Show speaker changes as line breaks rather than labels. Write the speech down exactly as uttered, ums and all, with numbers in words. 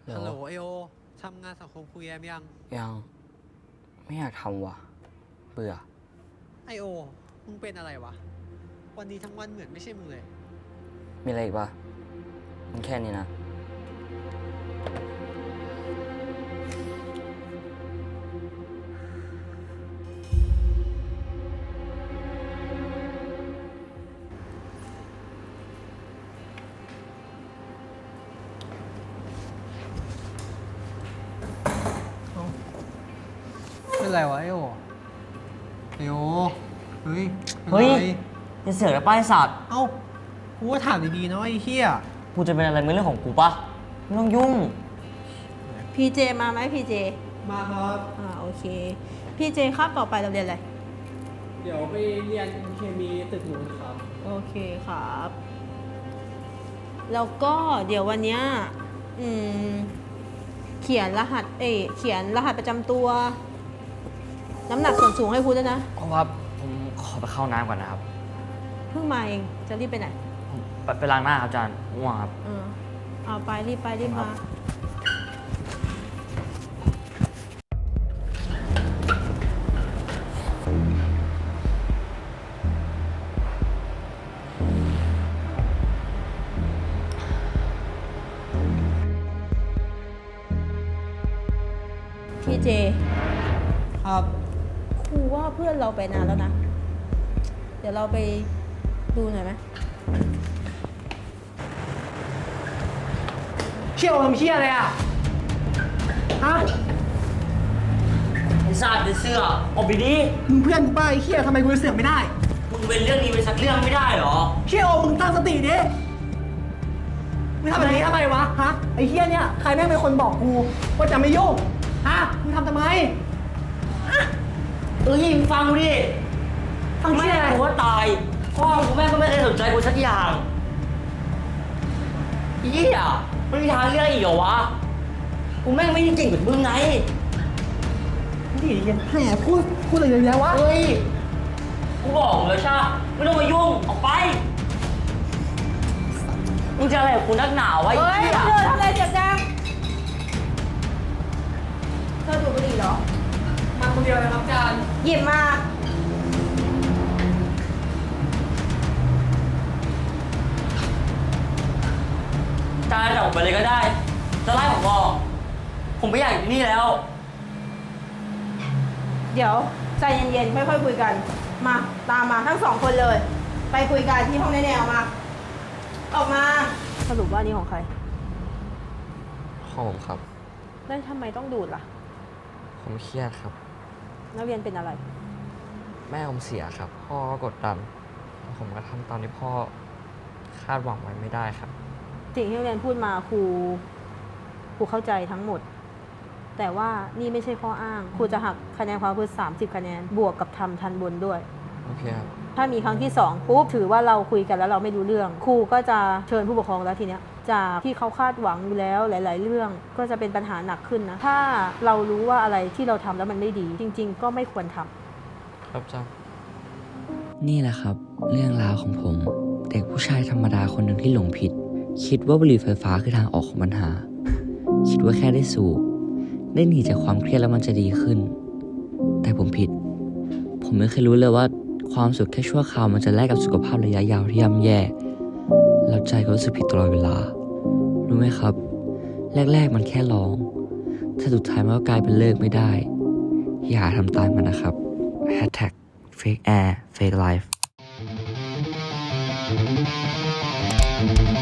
ฮัลโหลไอโอทำงานสังคมคุยแอมยัง
ยังไม่อยากทำว่ะเบื่อ
ไอโอมึงเป็นอะไรวะวันนี้ทั้งวันเหมือนไม่ใช่มึงเลย
มีอะไรอีกปะมันแค่นี้นะ
เป็นไรวะไอโอไอโอเฮ้ย
เฮ้ยอย่าเสือกนะป้ายสัตว์
เอ้ากูก็ถามดีๆนะไอ้เหี้ย
กูจะเป็นอะไรไม่เรื่องของกูปะไม่ต้องยุ่ง
พีเจมาไหมพีเจ
มาครับ
อ่าโอเคพีเจครับต่อไปเราเรียนอะไร
เดี๋ยวไปเรียนเคมีตึกนู้นครับ
โอเคครับแล้วก็เดี๋ยววันนี้อืมเขียนรหัสเอยเขียนรหัสประจำตัวน้ำหนักส่วนสูงให้ครูด้วยนะ
ครับผมขอไปเข้าน้ำก่อนนะครับ
เพิ่งมาเองจะรีบไปไหน
ไปไปล้างหน้าครับอาจารย์ง่วงครับ
เออเอาไปรีบไปรีบมาพี่เจ
ครับ
ครูว่าเพื่อนเราไปนานแล้วนะเดี๋ยวเราไปดูหน่อยไหม
เชี่ยวทำเชี่ยอะไรอ่ะฮะ
ไอ้สัตว์ไอ้เสื้อออกไปดิ
มึงเพื่อนกูป้าไอ้เชี่ยทำไมกูเสือกไม่ได้
มึงเป็นเรื่องนี้ไปสักเรื่องไม่ได้หรอ
เชี่ยวมึงตั้งสติดิมึงทำแบบนี้ทำไมวะฮะไอ้เชี่ยเนี่ยใครแม่งเป็นคนบอกกูว่าจะไม่ยุ่งฮะมึงทำทำไม
เออยิงฟังกูดิ
ฟังเชี่ยอะไร
กูว่าตายพ่อกูแม่ก็ไม่เคยสนใจกูสักอย่างยี่อ่ะไม่มีทางเลือกอีกเหรอวะกูแม่งไม่ได้เก่งเหมือนมึงไง
นี่เรียนแหมพูดพูดอะไรเยอะแยะวะ
เฮ้ยกูบอกเลยใช่ไม่ต้องมายุ่งออกไปมึงจะอะไรกับกูนักหนาวะ
เฮ้ยเธอทำอะไรเจ็บจังเธอดูดบุหรี่เหรอ
มาคนเดียวนะครับอาจารย์
หยิบมา
จานจะออกไปเลยก็ได้จะไล่ผมออกผมไม่อยากอยู่นี่แล้ว
เดี๋ยวใจเย็นๆค่อยๆคุยกันมาตามมาทั้งสองคนเลย ไปคุยกันที่ห้องแน่ๆออกมาออกมาสรุปว่านี่ของใคร
ของผมครับ
แล้วทำไมต้องดูดล่ะ
ผมเครียดครับ
นักเรียนเป็นอะไร
แม่ผมเสียครับพ่อก็กดดันผมก็ทำตามที่พ่อคาดหวังไว้ไม่ได้ครับ
สิ่งที่นักเรียนพูดมาครูครูเข้าใจทั้งหมดแต่ว่านี่ไม่ใช่ข้ออ้างครูจะหักคะแนนความรู้สามสิบคะแนนบวกกับทำทันบนด้วย
โอเคครับ
ถ้ามีครั้งที่สองปุ๊บถือว่าเราคุยกันแล้วเราไม่รู้เรื่องครูก็จะเชิญผู้ปกครองแล้วทีเนี้ยจากที่เขาคาดหวังอยู่แล้วหลายๆเรื่องก็จะเป็นปัญหาหนักขึ้นนะถ้าเรารู้ว่าอะไรที่เราทำแล้วมันไม่ดีจริงๆก็ไม่ควรท
ำครับจ้านี่แหละครับเรื่องราวของผมเด็กผู้ชายธรรมดาคนหนึ่งที่หลงผิดคิดว่าบุหรี่ไฟฟ้าคือทางออกของปัญหาคิดว่าแค่ได้สูบได้หนีจากความเครียดแล้วมันจะดีขึ้นแต่ผมผิดผมไม่เคยรู้เลยว่าความสุขแค่ชั่วคราวมันจะแลกกับสุขภาพระยะยาวที่ย่ำแย่แล้วใจก็รู้สึกผิดตลอดเวลารู้ไหมครับแรกๆมันแค่ลองถ้าสุดท้ายมันก็กลายเป็นเลิกไม่ได้อย่าทำตามมันนะครับ แฮชแท็ก เฟค แอร์ เฟค ไลฟ์